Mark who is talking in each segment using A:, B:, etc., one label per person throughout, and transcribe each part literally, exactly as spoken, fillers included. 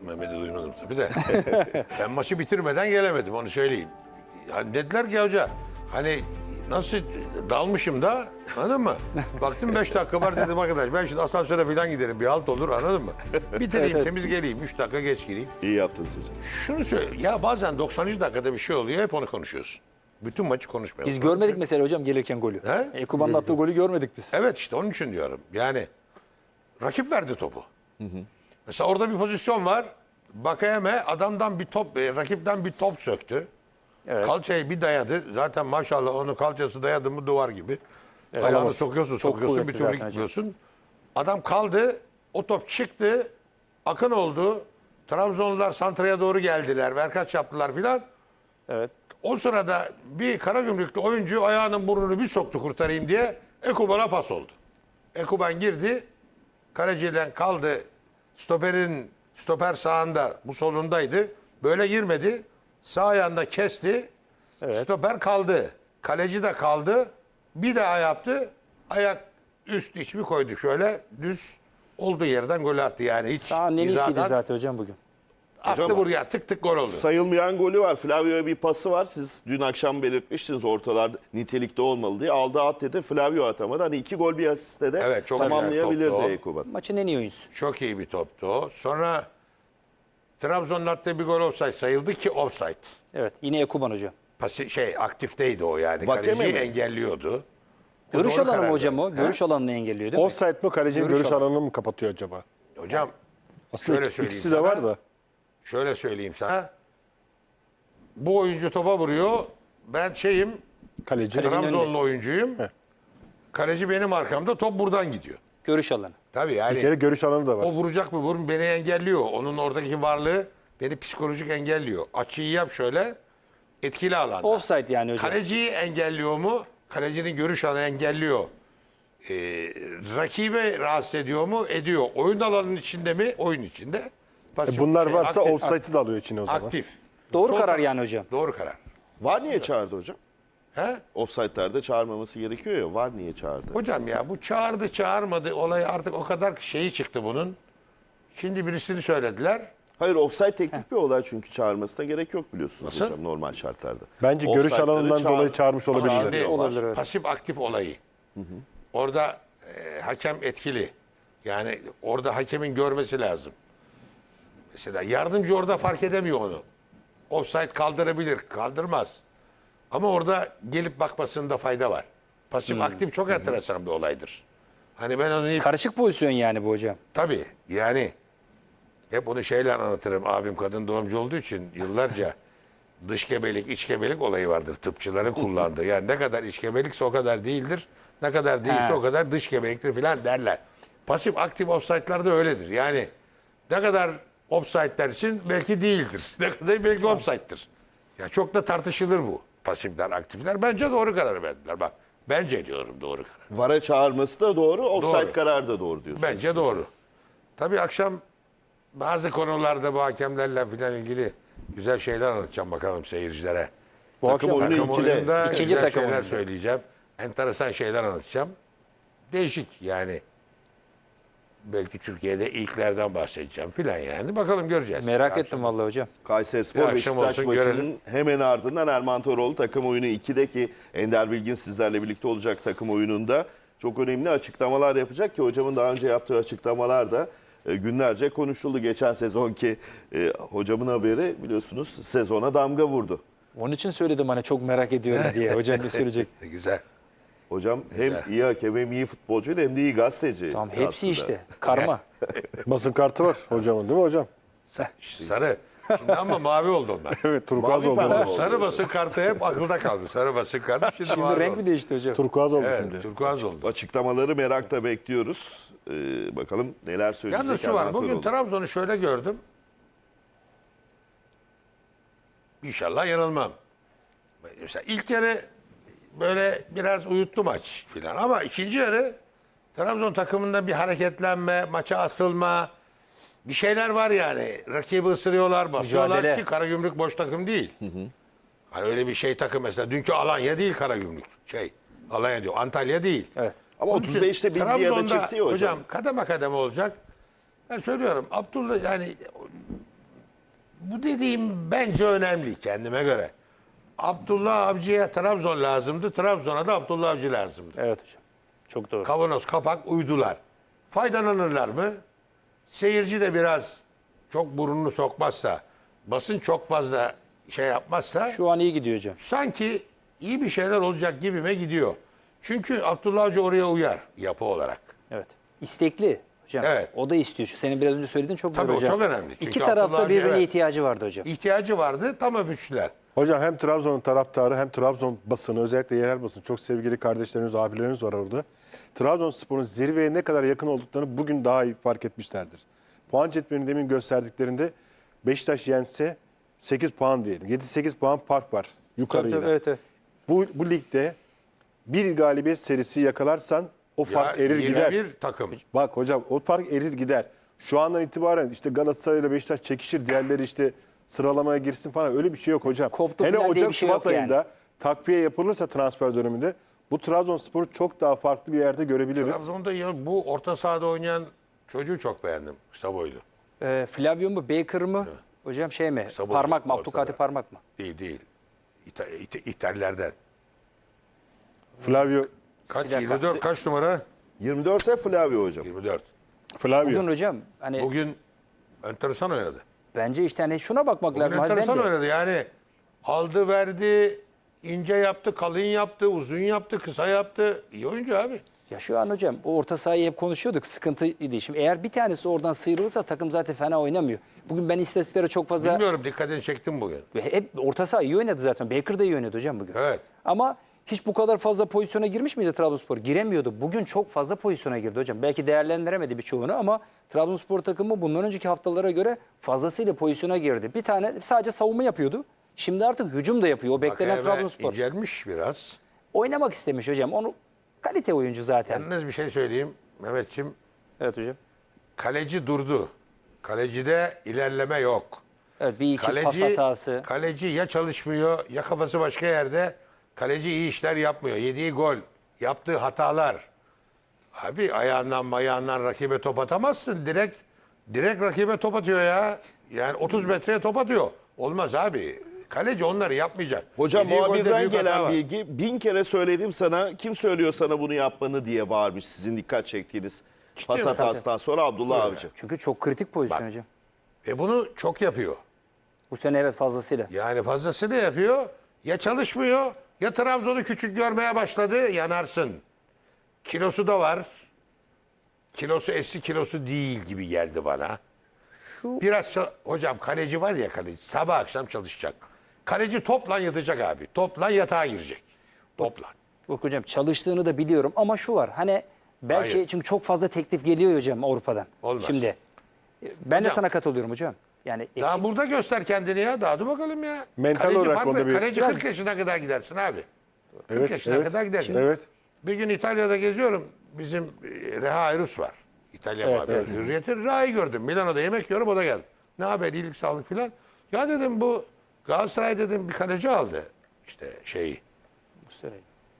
A: Mehmet'i duymadım tabii de. Ben maçı bitirmeden gelemedim, onu söyleyeyim. Yani dediler ki hoca, hani nasıl dalmışım da, anladın mı? Baktım beş dakika var, dedim arkadaş ben şimdi asansöre falan giderim, bir halt olur, anladın mı? Bitireyim,
B: Evet, evet.
A: temiz geleyim, üç dakika geç gireyim.
C: İyi yaptınız hocam.
A: Şunu söyle, ya bazen doksanıncı dakikada bir şey oluyor, hep onu konuşuyorsun. Bütün maçı konuşmuyoruz.
B: Biz görmedik mesela hocam gelirken golü.
A: He?
B: Ekuban'ın attığı golü görmedik biz.
A: Evet, işte onun için diyorum. Yani rakip verdi topu. Hı hı. Mesela orada bir pozisyon var. Bakayeme adamdan bir top, e, rakipten bir top söktü.
B: Evet.
A: Kalçayı bir dayadı. Zaten maşallah onun kalçası dayadı mı duvar gibi. Ayağını
B: Alamaz.
A: sokuyorsun,
B: Çok
A: sokuyorsun, bir
B: kuvvetli
A: türlü
B: zaten
A: gitmiyorsun. Adam kaldı, o top çıktı, akın oldu. Trabzonlular santraya doğru geldiler, verkaç yaptılar filan.
B: Evet.
A: O sırada bir Karagümrüklü oyuncu ayağının burnunu bir soktu kurtarayım diye, Ekuban'a pas oldu. Ekuban girdi, kaleciden kaldı, stoperin stoper sağında, bu solundaydı. Böyle girmedi, sağ ayağında kesti,
B: Evet.
A: stoper kaldı, kaleci de kaldı, bir daha yaptı, ayak üst iç bir koydu şöyle, düz olduğu yerden gol attı yani. Hiç
B: Sağ nelisiydi
A: hizadan
B: zaten hocam bugün.
A: attı
C: Hocam-
A: buraya, tık tık gol oldu.
C: Sayılmayan golü var. Flavio'ya bir pası var. Siz dün akşam belirtmiştiniz ortalarda nitelikte olmalı diye. Aldı at dedi. Flavio atamadı. Hani iki gol bir asiste de
A: Evet, çok güzel
C: tamamlayabilirdi
A: toptu o.
C: Ekuban.
B: Maçın en iyi oyuncusu.
A: Çok iyi bir toptu o. Sonra Trabzon'un attığı bir gol offside sayıldı ki offside.
B: Evet. Yine Ekuban hocam.
A: Pasi, şey aktifteydi o yani.
C: Vakeme
A: Kaleciyi
C: mi?
A: engelliyordu. O
B: Görüş
A: doğru
B: alanı mı
A: karar
B: hocam o?
A: verdi.
B: Görüş alanını engelliyor değil mi?
D: Offside mı kalecinin
B: Görüş
D: görüş,
B: alanı.
D: alanını mı kapatıyor acaba?
A: Ha? Hocam
D: Aslında
A: şöyle
D: ik-
A: söyleyeyim
D: ikisi de
A: sana.
D: var da.
A: şöyle söyleyeyim sana. Bu oyuncu topa vuruyor. Ben şeyim,
D: Kaleci.
A: Trabzonlu oyuncuyum.
D: Heh.
A: Kaleci benim arkamda, top buradan gidiyor.
B: Görüş alanı.
A: Tabii
D: Bir
A: yani
D: kere görüş alanı da var.
A: o vuracak mı vurun, beni engelliyor. Onun oradaki varlığı beni psikolojik engelliyor. Açıyı yap şöyle, etkili alanda.
B: Offside yani hocam.
A: Kaleciyi engelliyor mu? Kalecinin görüş alanı engelliyor. Ee, rakibe rahatsız ediyor mu? Ediyor. Oyun alanının içinde mi? Oyun içinde. Pasif-
D: E bunlar
A: şey,
D: varsa
A: aktif,
D: offside'ı da alıyor içine o zaman.
A: Aktif.
B: Doğru
A: Sol
B: karar
A: taraf-
B: yani hocam.
A: Doğru karar.
C: Var niye çağırdı hocam?
A: He?
C: Offside'lerde çağırmaması gerekiyor ya. Var niye çağırdı?
A: Hocam ya bu çağırdı çağırmadı olayı artık o kadar şeyi çıktı bunun. Şimdi birisini söylediler.
C: Hayır, offside teknik bir olay çünkü çağırmasına gerek yok biliyorsunuz
A: Nasıl?
C: hocam normal şartlarda.
D: Bence görüş
C: Offside'ları
D: alanından
C: çağır-
D: dolayı çağırmış olabilirler.
A: Şimdi
B: Olabilir, evet.
A: pasif aktif olayı. Orada e, hakem etkili. Yani orada hakemin görmesi lazım. Mesela yardımcı orada fark edemiyor onu. Offside kaldırabilir, kaldırmaz. Ama orada gelip bakmasında fayda var. Pasif aktif çok enteresan bir olaydır. Hani ben onu
B: Karışık pozisyon yani bu hocam.
A: tabii yani hep onu şeyle anlatırım. Abim kadın doğumcu olduğu için yıllarca dış gebelik, iç gebelik olayı vardır. Tıpçıların kullandığı. Yani ne kadar iç gebelikse o kadar değildir. Ne kadar değilse
B: He.
A: o kadar dış gebeliktir filan derler. Pasif aktif offside'larda öyledir. Yani ne kadar offside dersin belki değildir. Ne kadar belki offside'dir. Ya çok da tartışılır bu. Pasifler, aktifler. Bence doğru karar verdiler. Bak bence diyorum doğru karar.
C: Vara çağırması da doğru, offside
A: Doğru.
C: kararı da doğru diyorsunuz.
A: Bence doğru. Tabii akşam bazı konularda bu hakemlerle filan ilgili güzel şeyler anlatacağım bakalım seyircilere.
D: Bu
C: Takım
D: akşam
C: oyunu
A: Takım
C: ikide.
A: oyununda
B: İkinci
A: güzel
B: takım
A: şeyler
B: oyunu.
A: söyleyeceğim. Enteresan şeyler anlatacağım. Değişik yani. Belki Türkiye'de ilklerden bahsedeceğim filan yani. Bakalım göreceğiz.
B: Merak
A: Akşam-
B: ettim vallahi hocam.
C: Kayserispor
A: Bir akşam
C: Beşiktaş
A: olsun,
C: maçının
A: görelim.
C: hemen ardından Erman Toroğlu takım oyunu ikideki Ender Bilgin sizlerle birlikte olacak takım oyununda çok önemli açıklamalar yapacak ki hocamın daha önce yaptığı açıklamalar da e, günlerce konuşuldu. Geçen sezonki e, hocamın haberi biliyorsunuz sezona damga vurdu.
B: Onun için söyledim hani çok merak ediyorum diye. Hocam ne söyleyecek?
A: Güzel.
C: Hocam hem
A: Güzel.
C: iyi hakem hem iyi futbolcu hem de iyi gazeteci.
B: Tamam hepsi
C: aslında.
B: işte. Karma.
D: basın kartı var hocamın değil mi hocam?
A: Sarı. Şimdi ama mavi oldu onlar.
D: Evet, turkuaz
C: Mavi
D: oldu.
C: pembe
D: onlar.
C: oldu.
A: Sarı basın kartı hep akılda kaldı. Sarı basın kartı şimdi,
B: Şimdi
A: mavi
B: renk
A: oldu.
B: mi değişti hocam?
D: Turkuaz oldu
A: Evet,
D: şimdi.
A: turkuaz oldu.
C: Açıklamaları merakla bekliyoruz. Ee, bakalım neler söyleyecek.
A: Yalnız şu var,
C: Erman
A: bugün
C: Toroğlu.
A: Trabzon'u şöyle gördüm. İnşallah yanılmam. Mesela ilk yarı böyle biraz uyuttu maç filan ama ikinci yarı Trabzon takımında bir hareketlenme, maça asılma, bir şeyler var yani. Rakibi ısırıyorlar, basıyorlar
B: Mücadele.
A: ki Karagümrük boş takım değil. Hani öyle bir şey takım mesela. Dünkü Alanya değil Karagümrük. Şey, Alanya diyor, Antalya değil.
B: Evet.
C: Ama
A: Onun
C: otuz
A: için
C: beşte bir bir yere
A: Trabzon'da
C: çıktı ya hocam.
A: kademe kademe olacak. Ben söylüyorum Abdullah yani bu dediğim bence önemli kendime göre. Abdullah Avcı'ya Trabzon lazımdı. Trabzon'a da Abdullah Avcı lazımdı.
B: Evet hocam. Çok doğru.
A: Kavanoz kapak uydular. Faydalanırlar mı? Seyirci de biraz çok burnunu sokmazsa, basın çok fazla şey yapmazsa
B: Şu an iyi gidiyor hocam.
A: sanki iyi bir şeyler olacak gibime gidiyor. Çünkü Abdullah Avcı oraya uyar yapı olarak.
B: Evet. İstekli hocam.
A: Evet.
B: O da istiyor. Şu senin biraz önce söylediğin çok
A: Tabii
B: doğru
A: o
B: hocam.
A: çok önemli. Çünkü
B: İki
A: Abdullah
B: tarafta
A: Avcı,
B: birbirine
A: evet.
B: ihtiyacı vardı hocam.
A: İhtiyacı vardı, tam öpüştüler.
D: Hocam hem Trabzon'un taraftarı hem Trabzon basını, özellikle yerel basın, çok sevgili kardeşlerimiz, abilerimiz var orada. Trabzonspor'un zirveye ne kadar yakın olduklarını bugün daha iyi fark etmişlerdir. Puan cetvelini demin gösterdiklerinde Beşiktaş yense sekiz puan diyelim. yedi sekiz puan fark var yukarıyla.
B: Tabii, tabii, evet evet.
D: Bu, bu ligde bir galibiyet serisi yakalarsan o fark
A: Ya,
D: erir gider.
A: yirmi bir takım.
D: Bak hocam o fark erir gider. Şu andan itibaren işte Galatasaray ile Beşiktaş çekişir, diğerleri işte sıralamaya girsin falan, öyle bir şey yok hocam.
B: Koptu
D: Hele
B: falan diye
D: Ocak
B: bir şey
D: Şubat
B: yok yani.
D: ayında takviye yapılırsa transfer döneminde bu Trabzonspor'u çok daha farklı bir yerde görebiliriz.
A: Trabzon'da ya bu orta sahada oynayan çocuğu çok beğendim. Kısa boylu.
B: Ee, Flavio mu Baker mı? Hocam şey mi?
A: Kısa boylu,
B: Parmak mı?
A: ortada.
B: Abdülkadir Parmak mı?
A: Değil değil. İta, İta- İtallerden.
D: Flavio
A: Kaç?
B: Bir dakika.
A: yirmi dört kaç numara?
C: yirmi dört ise Flavio hocam.
A: yirmi dört.
D: Flavio.
B: Bugün hocam hani
A: Bugün enteresan oynadı.
B: bence işte hani şuna bakmak
A: Bugün
B: lazım. Hadi ben
A: enteresan
B: de-
A: oynadı. Yani aldı verdi, ince yaptı, kalın yaptı, uzun yaptı, kısa yaptı. İyi oyuncu abi.
B: Ya şu an hocam o orta sahayı hep konuşuyorduk. Sıkıntıydı. Şimdi eğer bir tanesi oradan sıyrılırsa takım zaten fena oynamıyor. Bugün ben istatistiklere çok fazla...
A: Bilmiyorum, dikkatini çektim bugün.
B: Hep orta saha iyi oynadı zaten. Baker da iyi oynadı hocam bugün.
A: Evet.
B: Ama hiç bu kadar fazla pozisyona girmiş miydi Trabzonspor? Giremiyordu. Bugün çok fazla pozisyona girdi hocam. Belki değerlendiremedi birçoğunu ama Trabzonspor takımı bundan önceki haftalara göre fazlasıyla pozisyona girdi. Bir tane sadece savunma yapıyordu. Şimdi artık hücum da yapıyor. O beklenen
A: Eve
B: Trabzonspor.
A: incelmiş biraz.
B: Oynamak istemiş hocam. Onu kalite oyuncu zaten.
A: Yalnız bir şey söyleyeyim Mehmetçim.
B: Evet hocam.
A: Kaleci durdu. Kalecide ilerleme yok.
B: Evet bir iki pas hatası.
A: Kaleci ya çalışmıyor ya kafası başka yerde. Kaleci iyi işler yapmıyor. Yediği gol, yaptığı hatalar. Abi ayağından mayağından rakibe top atamazsın. Direkt direkt rakibe top atıyor ya. Yani otuz metreye top atıyor. Olmaz abi. Kaleci onları yapmayacak.
C: Hocam
A: Yediği golde
C: muhabirden
A: büyük hata
C: gelen
A: var.
C: bilgi, bin kere söyledim sana, kim söylüyor sana bunu yapmanı diye bağırmış sizin dikkat çektiğiniz pas
A: mi?
C: hatasından sonra Abdullah Avcı.
B: Çünkü çok kritik pozisyon
A: Bak.
B: hocam.
A: Ve bunu çok yapıyor.
B: Bu sene evet fazlasıyla.
A: Yani fazlasını yapıyor. Ya çalışmıyor ya Trabzon'u küçük görmeye başladı, yanarsın. Kilosu da var. Kilosu eski kilosu değil gibi geldi bana.
B: Şu-
A: Biraz ça- hocam kaleci var ya, kaleci sabah akşam çalışacak. Kaleci topla yatacak abi. Topla yatağa girecek. Topla.
B: Yok hocam çalıştığını da biliyorum ama şu var. Hani belki
A: Hayır.
B: çünkü çok fazla teklif geliyor hocam Avrupa'dan.
A: Olmaz.
B: Şimdi e, ben de
A: Hocam.
B: sana katılıyorum hocam. Yani eksik,
A: Daha burada göster kendini ya. Daha dur bakalım ya.
D: Mental
A: kaleci
D: olarak
A: farklı.
D: onda bir-
A: Kaleci
B: Biraz-
A: kırk yaşına kadar gidersin abi. kırk
D: Evet,
A: yaşına
D: evet.
A: kadar gidersin.
D: Evet.
A: Bir gün İtalya'da geziyorum. Bizim e, Reha Ayrus var. İtalya
B: Evet,
A: muhabiri.
B: evet.
A: Hürriyet'in Reha'yı gördüm. Milano'da yemek yiyorum, o da geldi. Ne haber, iyilik, sağlık filan. Ya dedim bu Galatasaray dedim bir kaleci aldı. İşte şeyi.
B: Muslera.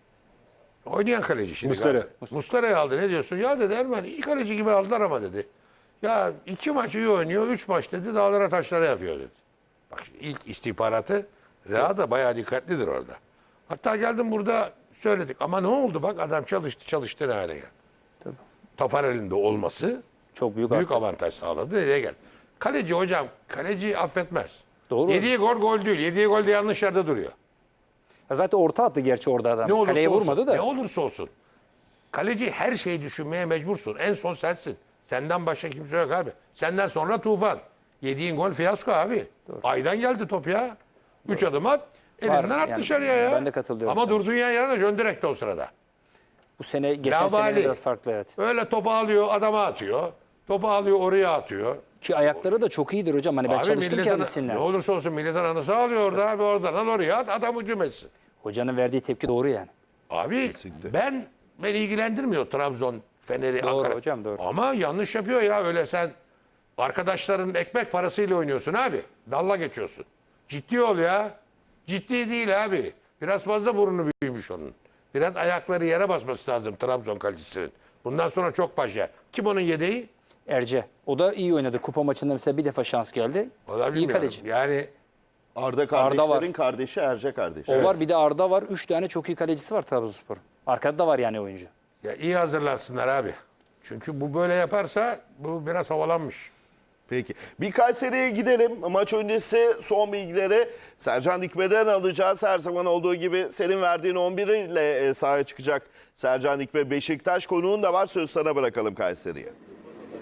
A: Oynayan kaleci şimdi.
D: Muslera.
A: Galatasaray. Muslera'yı aldı. Ne diyorsun? Ya dedi Erman iyi kaleci gibi aldılar ama dedi. Ya iki maç iyi oynuyor. Üç maç dedi dağlara taşlara yapıyor dedi. Bak şimdi ilk istihbaratı Reha da bayağı dikkatlidir orada. Hatta geldim burada söyledik. Ama ne oldu bak, adam çalıştı çalıştı ne hale geldi.
B: Tabii.
A: Tafarel'in de olması
B: Çok büyük,
A: büyük
B: avantaj.
A: avantaj sağladı. Nereye gel? Kaleci hocam, kaleci affetmez.
B: Doğru.
A: Yediği gol gol değil. Yediği gol de yanlış yerde duruyor.
B: Ya zaten orta attı gerçi orada adam.
A: Ne olursa
B: Kaleye
A: olsun,
B: vurmadı da.
A: Ne olursa olsun. Kaleci her şeyi düşünmeye mecbursun. En son sensin. Senden başka kimse yok abi. Senden sonra Tufan. Yediğin gol fiyasko abi. Aydan geldi top ya. Üç adım at. Elinden
B: Var,
A: at
B: yani
A: dışarıya ya.
B: ben de katılıyorum
A: Ama
B: sana.
A: durduğun yer yerine Jön direkte o sırada.
B: Bu sene geçen
A: Lavali.
B: sene biraz farklı evet.
A: Öyle topu alıyor adama atıyor. Topu alıyor oraya atıyor.
B: Ki ayakları da çok iyidir hocam. Hani ben
A: Abi
B: çalıştım
A: milletin,
B: kendisinden.
A: ne olursa olsun milletin anısı alıyor orada abi, oradan al oraya at, adam hücum etsin.
B: Hocanın verdiği tepki doğru yani.
A: Abi ben beni ilgilendirmiyor Trabzon, Fener'i,
B: Doğru
A: Ankara.
B: hocam, doğru.
A: Ama yanlış yapıyor ya, öyle sen arkadaşların ekmek parasıyla oynuyorsun abi. Dalla geçiyorsun. Ciddi ol ya. Ciddi değil abi. Biraz fazla burnu büyümüş onun. Biraz ayakları yere basması lazım Trabzon kalecisinin. Bundan sonra çok baş yer. Kim onun yedeği?
B: Erce. O da iyi oynadı. Kupa maçında mesela bir defa şans geldi.
A: O da
B: İyi
A: bilmiyorum.
B: kaleci.
A: Yani
C: Arda
B: var.
C: kardeşlerin kardeşi Erce kardeşi.
B: O var, bir de Arda var. Üç tane çok iyi kalecisi var Trabzonspor. Arkada da var yani oyuncu.
A: ya iyi hazırlansınlar abi. Çünkü bu böyle yaparsa bu biraz havalanmış.
C: Peki. Bir Kayseri'ye gidelim. Maç öncesi son bilgileri Sercan Dikme'den alacağız. Her zaman olduğu gibi senin verdiğin on bir ile sahaya çıkacak Sercan Dikme. Beşiktaş konuğun da var. Söz sana bırakalım Kayseri'ye.